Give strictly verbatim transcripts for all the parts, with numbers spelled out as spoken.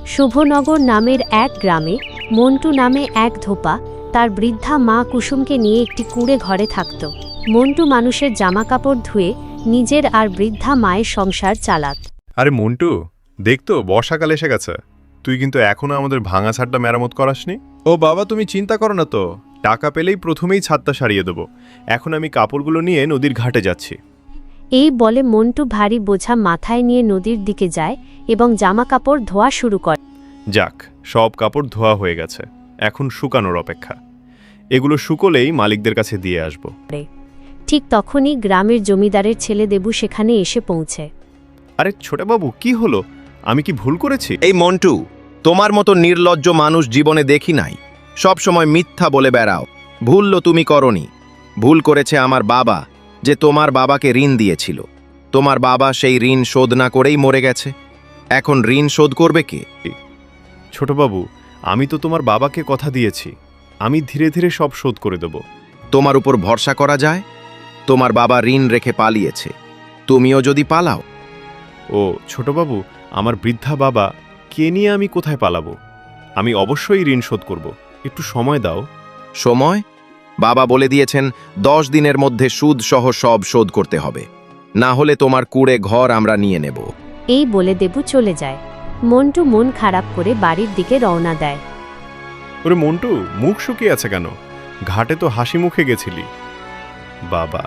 শুভনগর নামের এক গ্রামে মন্টু নামে এক ধোপা তার বৃদ্ধা মা কুসুমকে নিয়ে একটি কুঁড়ে ঘরে থাকত। মন্টু মানুষের জামাকাপড় ধুয়ে নিজের আর বৃদ্ধা মায়ের সংসার চালাত। আরে মন্টু, দেখতো বর্ষাকাল এসে গেছে, তুই কিন্তু এখনো আমাদের ভাঙা ছাদটা মেরামত করাসনি। ও বাবা, তুমি চিন্তা করো না তো, টাকা পেলেই প্রথমেই ছাদটা সারিয়ে দেবো। এখন আমি কাপড়গুলো নিয়ে নদীর ঘাটে যাচ্ছি। এই বলে মন্টু ভারী বোঝা মাথায় নিয়ে নদীর দিকে যায় এবং জামাকাপড় ধোয়া শুরু করে। যাক, সব কাপড় ধোয়া হয়ে গেছে, এখন শুকানোর অপেক্ষা। এগুলো শুকোলেই মালিকদের কাছে দিয়ে আসব। ঠিক তখনই গ্রামের জমিদারের ছেলে দেবু সেখানে এসে পৌঁছে। আরে ছোটবাবু, কি হলো? আমি কি ভুল করেছি? এই মন্টু, তোমার মতো নির্লজ্জ মানুষ জীবনে দেখি নাই। সব সময় মিথ্যা বলে বেড়াও। ভুল তুমি করনি, ভুল করেছে আমার বাবা, যে তোমার বাবাকে ঋণ দিয়েছিল। তোমার বাবা সেই ঋণ শোধ না করেই মরে গেছে। এখন ঋণ শোধ করবে কে? ছোটবাবু, আমি তো তোমার বাবাকে কথা দিয়েছি, আমি ধীরে ধীরে সব শোধ করে দেব। তোমার উপর ভরসা করা যায়? তোমার বাবা ঋণ রেখে পালিয়েছে, তুমিও যদি পালাও। ও ছোটবাবু, আমার বৃদ্ধা বাবা কে নিয়ে আমি কোথায় পালাবো? আমি অবশ্যই ঋণ শোধ করব, একটু সময় দাও। সময়? বাবা বলে দিয়েছেন দশ দিনের মধ্যে সুদ সহ সব শোধ করতে হবে, না হলে তোমার কুড়ে ঘর আমরা নিয়ে নেব। এই বলে দেবু চলে যায়। মন্টু মন খারাপ করে বাড়ির দিকে রওনা দেয়। ওরে মন্টু, মুখ শুকিয়ে আছে কেন? ঘাটে তো হাসি মুখে গেছিলি। বাবা,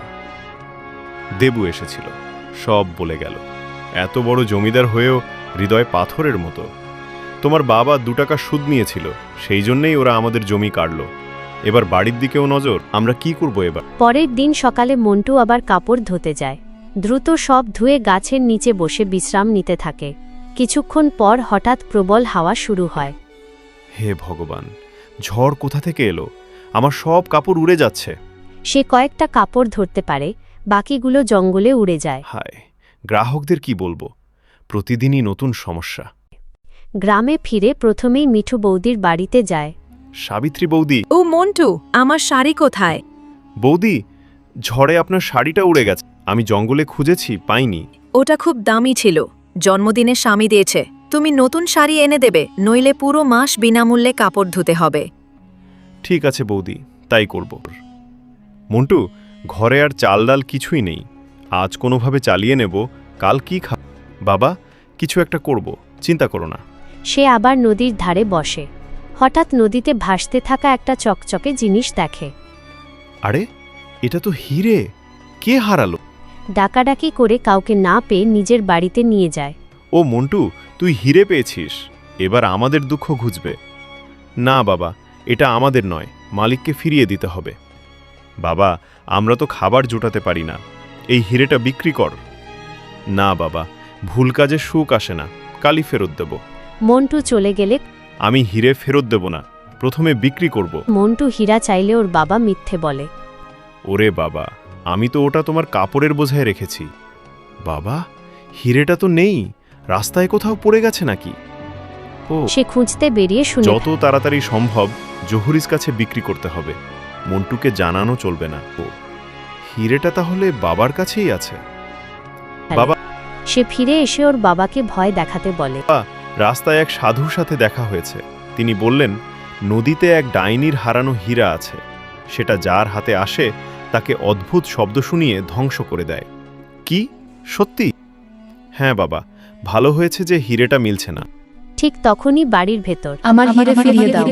দেবু এসেছিল, সব বলে গেল। এত বড় জমিদার হয়েও হৃদয় পাথরের মতো। তোমার বাবা দু টাকা সুদ নিয়েছিল, সেই জন্যই ওরা আমাদের জমি কাটল। এবার বাড়ির দিকেও নজর, আমরা কি করব এবার? পরের দিন সকালে মন্টু আবার কাপড় ধুতে যায়। দ্রুত সব ধুয়ে গাছের নিচে বসে বিশ্রাম নিতে থাকে। কিছুক্ষণ পর হঠাৎ প্রবল হাওয়া শুরু হয়। হে ভগবান, ঝড় কোথা থেকে এলো? আমার সব কাপড় উড়ে যাচ্ছে। সে কয়েকটা কাপড় ধরতে পারে, বাকিগুলো জঙ্গলে উড়ে যায়। হায়, গ্রাহকদের কি বলবো? প্রতিদিনই নতুন সমস্যা। গ্রামে ফিরে প্রথমেই মিঠু বৌদির বাড়িতে যায়। সাবিত্রী বৌদি। ও মন্টু, আমার শাড়ি কোথায়? বৌদি, ঝড়ে আপনার শাড়িটা উড়ে গেছে। আমি জঙ্গলে খুঁজেছি, পাইনি। ওটা খুব দামি ছিল, জন্মদিনে স্বামী দিয়েছে। তুমি নতুন শাড়ি এনে দেবে, নইলে পুরো মাস বিনামূল্যে কাপড় ধুতে হবে। ঠিক আছে বৌদি, তাই করব। মন্টু, ঘরে আর চাল ডাল কিছুই নেই, আজ কোনোভাবে চালিয়ে নেব, কাল কি খা। বাবা, কিছু একটা করব, চিন্তা করো না। সে আবার নদীর ধারে বসে। হঠাৎ নদীতে ভাসতে থাকা একটা চকচকে জিনিস দেখে। আরে, এটা তো হিরে! কে হারালো? ডাকাডাকি করে কাউকে না পেয়ে নিজের বাড়িতে নিয়ে যায়। ও মন্টু, তুই হিরে পেয়েছিস, এবার আমাদের দুঃখ ঘুচবে। না বাবা, এটা আমাদের নয়, মালিককে ফিরিয়ে দিতে হবে। বাবা, আমরা তো খাবার জোটাতে পারি না, এই হিরেটা বিক্রি কর। না বাবা, ভুল কাজে সুখ আসে না, কালই ফেরত দেব। মন্টু চলে গেলে আমি হিরে ফেরত দেব না, প্রথমে বিক্রি করব। মন্টু হীরা চাইলে ওর বাবা মিথ্যে বলে। ওরে বাবা, আমি তো ওটা তোমার কাপড়ের বোঝায় রেখেছি। বাবা, হিরেটা তো নেই, রাস্তায় কোথাও পড়ে গেছে নাকি? ও, সে খুঁজতে বেরিয়ে শুনে যত তাড়াতাড়ি সম্ভব জহুরির কাছে বিক্রি করতে হবে, মন্টুকে জানানো চলবে না। ও, হিরেটা তাহলে বাবার কাছেই আছে। বাবা, সে ফিরে এসে ওর বাবাকে ভয় দেখাতে বলে। রাস্তায় এক সাধুর সাথে দেখা হয়েছে, তিনি বললেন নদীতে এক ডাইনির হারানো হীরা আছে, সেটা যার হাতে আসে তাকে অদ্ভুত শব্দ শুনিয়ে ধ্বংস করে দেয়। কি সত্যি? হ্যাঁ বাবা, ভালো হয়েছে যে হিরেটা মিলছে না। ঠিক তখনই বাড়ির ভেতর আমার হিরে ফিরিয়ে দাও।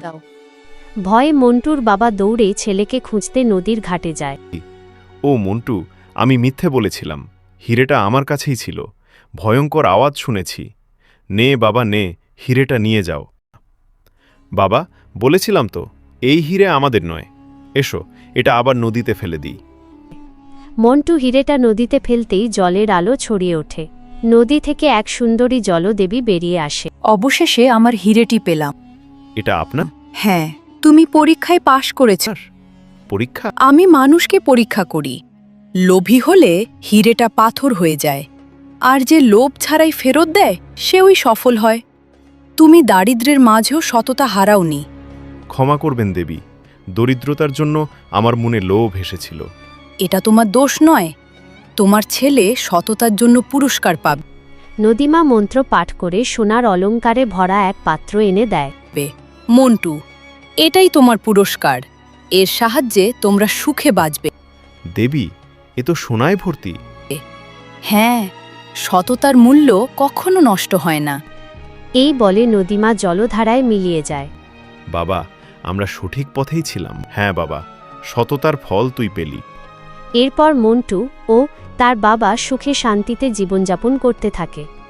ভয়ে মন্টুর বাবা দৌড়ে ছেলেকে খুঁজতে নদীর ঘাটে যায়। ও মন্টু, আমি মিথ্যে বলেছিলাম, হিরেটা আমার কাছেই ছিল, ভয়ঙ্কর আওয়াজ শুনেছি। নে বাবা নে, হিরেটা নিয়ে যাও। বাবা, বলেছিলাম তো, এই হিরে আমাদের নয়, এসো এটা আবার নদীতে ফেলে দিই। মন্টু হিরেটা নদীতে ফেলতেই জলের আলো ছড়িয়ে ওঠে। নদী থেকে এক সুন্দরী জলদেবী বেরিয়ে আসে। অবশেষে আমার হিরেটি পেলাম। এটা আপনার? হ্যাঁ, তুমি পরীক্ষায় পাশ করেছ। পরীক্ষা? আমি মানুষকে পরীক্ষা করি, লোভী হলে হিরেটা পাথর হয়ে যায়, আর যে লোভ ছাড়াই ফেরত দেয় সে ওই সফল হয়। তুমি দারিদ্র্যের মাঝেও সততা হারাওনি। ক্ষমা করবেন দেবী, দরিদ্রতার জন্য আমার মনে লোভ এসেছিল। এটা তোমার দোষ নয়, তোমার ছেলে সততার জন্য পুরস্কার পাবে। নদীমা মন্ত্র পাঠ করে সোনার অলংকারে ভরা এক পাত্র এনে দেয়। মন্টু, এটাই তোমার পুরস্কার। এর সাহায্যে তোমরা সুখে বাঁচবে। দেবী, এ তো সোনায় ভর্তি। হ্যাঁ, সততার মূল্য কখনো নষ্ট হয় না। এই বলে নদীমা জলধারায় মিলিয়ে যায়। বাবা, আমরা সঠিক পথেই ছিলাম। হ্যাঁ বাবা, সততার ফল তুই পেলি। এরপর মন্টু ও তার বাবা সুখে শান্তিতে জীবনযাপন করতে থাকে।